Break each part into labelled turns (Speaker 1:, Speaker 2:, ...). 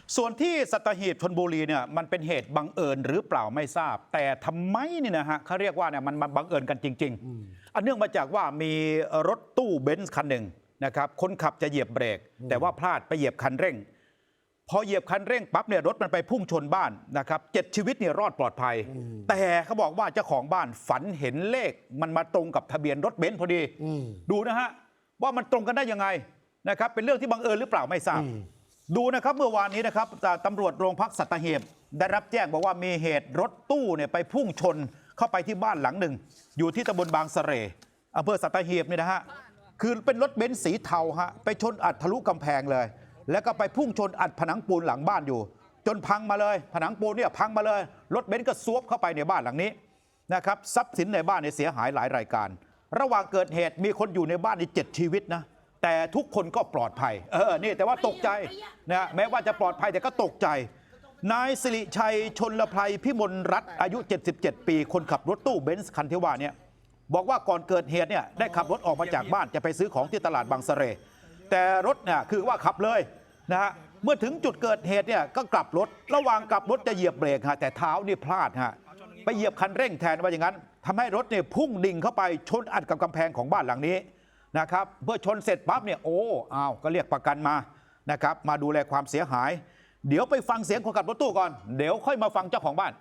Speaker 1: ส่วนที่สัตหีบชลบุรีเนี่ยมันเป็นเหตุบังเอิญหรือเปล่าไม่ทราบ แต่ทำไมเนี่ยนะฮะเขาเรียกว่าเนี่ยมันบังเอิญกันจริงๆอันเนื่องมาจากว่ามีรถตู้เบนซ์คันหนึ่งนะครับคนขับจะเหยียบเบรกแต่ว่าพลาดไปเหยียบคันเร่งพอเหยียบคันเร่งปั๊บเนี่ยรถมันไปพุ่งชนบ้านนะครับ7 ชีวิตเนี่ยรอดปลอดภัยแต่เขาบอกว่าเจ้าของบ้านฝันเห็นเลขมันมาตรงกับทะเบียนรถเบนซ์พอดีดูนะฮะว่ามันตรงกันได้ยังไงนะครับเป็นเรื่องที่บังเอิญหรือเปล่าไม่ทราบดูนะครับเมื่อวานนี้นะครับตำรวจโรงพักสัตหีบได้รับแจ้งบอกว่ามีเหตุรถตู้เนี่ยไปพุ่งชนเข้าไปที่บ้านหลังหนึ่งอยู่ที่ตำบลบางเสร่อำเภอสัตหีบนี่นะฮะคือเป็นรถเบนซ์สีเทาฮะไปชนอัดทะลุกำแพงเลยแล้วก็ไปพุ่งชนอัดผนังปูนหลังบ้านอยู่จนพังมาเลยผนังปูนเนี่ยพังมาเลยรถเบนซ์ก็ซวบเข้าไปในบ้านหลังนี้นะครับทรัพย์สินในบ้านเนี่ยเสียหายหลายรายการระหว่างเกิดเหตุมีคนอยู่ในบ้านนี่7 ชีวิตนะแต่ทุกคนก็ปลอดภัยนี่แต่ว่าตกใจนะแม้ว่าจะปลอดภัยแต่ก็ตกใจนายสิริชัยชนลไพรพิมลรัตน์อายุ77 ปีคนขับรถตู้เบนซ์คันที่ว่าเนี่ยบอกว่าก่อนเกิดเหตุเนี่ยได้ขับรถออกมาจากบ้านจะไปซื้อของที่ตลาดบางเสร่แต่รถเนี่ยคือว่าขับเลยนะฮะเมื่อถึงจุดเกิดเหตุเนี่ยก็กลับรถระหว่างกลับรถจะเหยียบเบรกฮะแต่เท้านี่พลาดฮะไปเหยียบคันเร่งแทนว่าอย่างนั้นทำให้รถเนี่ยพุ่งดิ่งเข้าไปชนอัดกับกำแพงของบ้านหลังนี้นะครับเมื่อชนเสร็จปั๊บเนี่ยก็เรียกประกันมานะครับมาดูแลความเสียหายเดี๋ยวไปฟังเสียงคนขับรถตู้ก่อนเดี๋ยวค่อยมาฟังเจ้าของบ้าน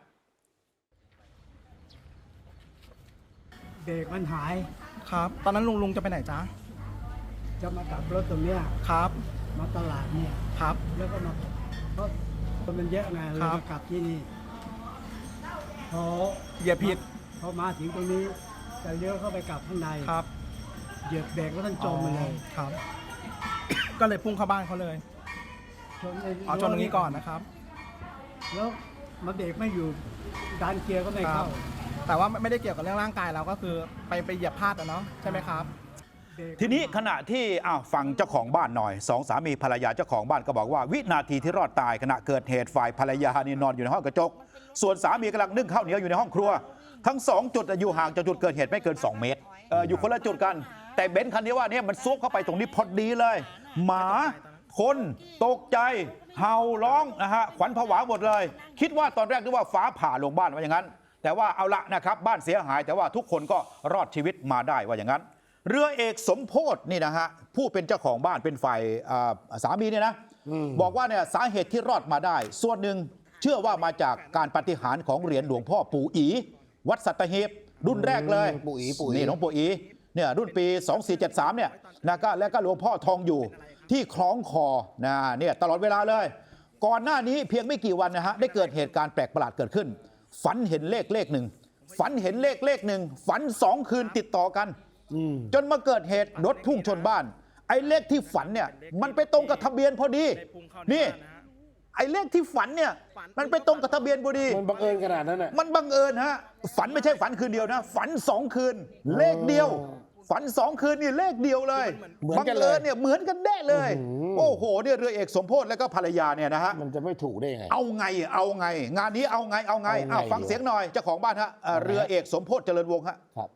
Speaker 2: เบรกมันหาย
Speaker 3: ครับตอนนั้นลุงจะไปไหนจ๊ะ
Speaker 2: จะมากลับรถตรงเนี้ย
Speaker 3: ครับ
Speaker 2: มาตลาดเนี่ย
Speaker 3: ครับ
Speaker 2: แล้วก็มาเพราะคนมันเยอะไงเลยมากลับที่นี่พอ
Speaker 3: เหยียบผิด
Speaker 2: พอมาถึงตรงนี้จะเลี้ยวเข้าไปกลับข้างใน
Speaker 3: ครับ
Speaker 2: เหยียบเบรกแล้วท่านจมไปเลย
Speaker 3: ครับก็เลยพุ่งเข้าบ้านเขาเลยชนตรงนี้ก่อนนะครับ
Speaker 2: แล้วมาเบรกไม่อยู่ดันเกียร์ก็ไม่เข้า
Speaker 3: แต่ว่าไม่ได้เกี่ยวกับเรื่องร่างกายเราก็คือไปเหยียบพลาดเนาะใช่ไหมครับ
Speaker 1: ทีนี้ขณะที่ฟังเจ้าของบ้านหน่อยสองสามีภรรยาเจ้าของบ้านก็บอกว่าวินาทีที่รอดตายขณะเกิดเหตุฝ่ายภรรยานี่นอนอยู่ในห้องกระจกส่วนสามีกำลังนึ่งข้าวเหนียวอยู่ในห้องครัวทั้ง2 จุดอยู่ห่างจากจุดเกิดเหตุไม่เกิน2 เมตรอยู่คนละจุดกันแต่เบนซ์คันนี้ว่าเนี่ยมันซุกเข้าไปตรงนี้พอดีเลยหมาคนตกใจเห่าร้องนะฮะขวัญผวาหมดเลยคิดว่าตอนแรกนึกว่าฟ้าผ่าลงบ้านว่าอย่างนั้นแต่ว่าเอาละนะครับบ้านเสียหายแต่ว่าทุกคนก็รอดชีวิตมาได้ว่าอย่างนั้นเรือเอกสมโพธินี่นะฮะผู้เป็นเจ้าของบ้านเป็นฝ่ายสามีเนี่ยนะบอกว่าเนี่ยสาเหตุที่รอดมาได้ส่วนหนึ่งเชื่อว่ามาจากการปาฏิหาริย์ของเหรียญหลวงพ่อปู่อีวัดสัตหีบรุ่นแรกเลย
Speaker 4: ปู่อี
Speaker 1: นี่หลวงปู่อีเนี่ยรุ่นปี2473เนี่ยนะก็แล้วก็หลวงพ่อทองอยู่ที่คล้องคอนะเนี่ยตลอดเวลาเลยก่อนหน้านี้เพียงไม่กี่วันนะฮะได้เกิดเหตุการณ์แปลกประหลาดเกิดขึ้นฝันเห็นเลขหนึ่งฝันเห็นเลขหนึ่งฝัน2 คืนติดต่อกันจนมาเกิดเหตุรถพุ่งชนบ้านไอ้เลขที่ฝันเนี่ยมันไปตรงกับทะเบียนพอดีนี่ไอ้เลขที่ฝันเนี่ยมันไปตรงกับทะเบียนพอดี
Speaker 4: มันบังเอิญขนาดนั้นน่ะ
Speaker 1: มันบังเอิญฮะฝันไม่ใช่ฝันคืนเดียวนะฝัน2 คืนเลขเดียวฝัน2 คืนนี่เลขเดียวเลยบังเอิญเนี่ยเหมือนกันแน่เลยโอ้โหเนี่ยเรือเอกสมโพธิแล้วก็ภรรยาเนี่ยนะฮะ
Speaker 4: มันจะไม่ถูกได้ไง
Speaker 1: เอาไงงานนี้เอาไงฟังเสียงหน่อยเจ้าของบ้านฮะเรือเอกสมโพธิเจริญวงศ์ฮะ
Speaker 4: ครับ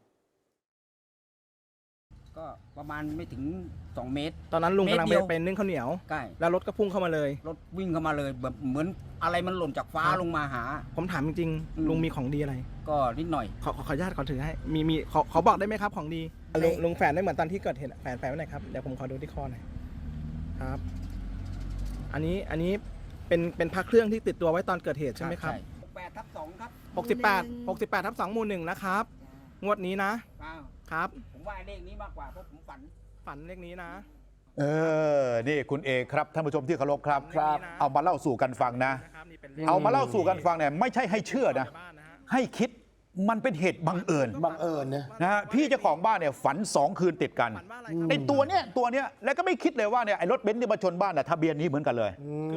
Speaker 5: ก็ประมาณไม่ถึง2 เมตร
Speaker 3: ตอนนั้นลุงกำลังไปนึ่งข้าวเหนียว
Speaker 5: ใช่
Speaker 3: แล้วรถก็พุ่งเข้ามาเลย
Speaker 5: รถวิ่งเข้ามาเลยแบบเหมือนอะไรมันหล่นจากฟ้าลงมาหา
Speaker 3: ผมถามจริงๆลุงมีของดีอะไร
Speaker 5: ก็นิดหน่อย
Speaker 3: ขออนุญาตขอถือให้มีขอบอกได้ไหมครับของดีลุงแฝนได้เหมือนตอนที่เกิดเหตุแฝนไว้ไหนครับเดี๋ยวผมขอดูที่คอหน่อยครับอันนี้เป็นพระเครื่องที่ติดตัวไว้ตอนเกิดเหตุใช่ไหมครับ
Speaker 5: 68/2ครับ
Speaker 3: 68/2 หมู่ 1นะครับงวดนี้นะครับ
Speaker 5: ผมว่าเลขนี้มากกว่าเพราะผม
Speaker 3: ฝันเลขนี้นะ
Speaker 1: นี่คุณเอกครับท่านผู้ชมที่เคารพครับเอามาเล่าสู่กันฟังนะเอามาเล่าสู่กันฟังเนี่ยไม่ใช่ให้เชื่อนะให้คิดมันเป็นเหตุบังเอิญนะฮะพี่เจ้าของบ้านเนี่ยฝัน2 คืนติดกันไอ้ตัวเนี้ยแล้วก็ไม่คิดเลยว่าเนี่ยไอ้รถเบนซ์ที่มาชนบ้านน่ะทะเบียนนี้เหมือนกันเลย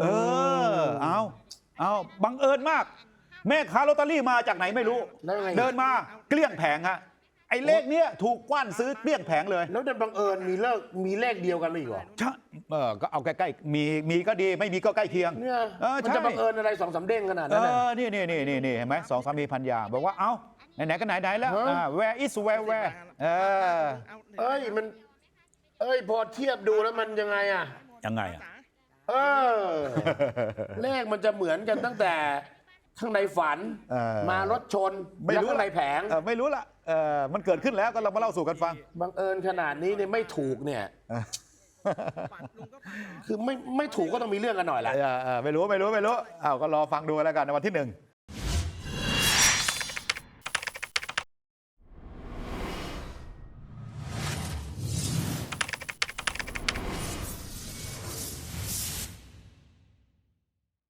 Speaker 1: เอาบังเอิญมากแม่ค้าลอตเตอรี่มาจากไหนไม่รู้เดินมาเกลี้ยงแผงฮะไอ้เลขเนี้ยถูกกว้านซื้อเกลี้ยงแผงเลย
Speaker 4: แล้วดันบังเอิญมีเลขเดียวกันเลยเหรอ
Speaker 1: ใช่ก็เอาใกล้ๆมีก็ดีไม่มีก็ใกล้เคียง
Speaker 4: เนี่ยมันจะบังเอิญอะไร2-3 เด้งขนาดนั้น
Speaker 1: นี่เห็นไหม2 สามีภรรยาบอกว่าเอ้าไหนก็ไหนแล้วwhere is where
Speaker 4: มันพอเทียบดูแล้วมันยังไงเออ เลขมันจะเหมือนกันตั้งแต่ข้างในฝัน มารถชนแล้วข้างในแผง
Speaker 1: ไม่รู้ละมันเกิดขึ้นแล้วก็เรามาเล่าสู่กันฟัง
Speaker 4: บังเอิญขนาดนี้เนี่ยไม่ถูกเนี่ย คือไม่ถูกก็ต้องมีเรื่องกันหน่อยแหละ
Speaker 1: ไม่รู้อ้าวก็รอฟังดูแล้วกันในวันที่ 1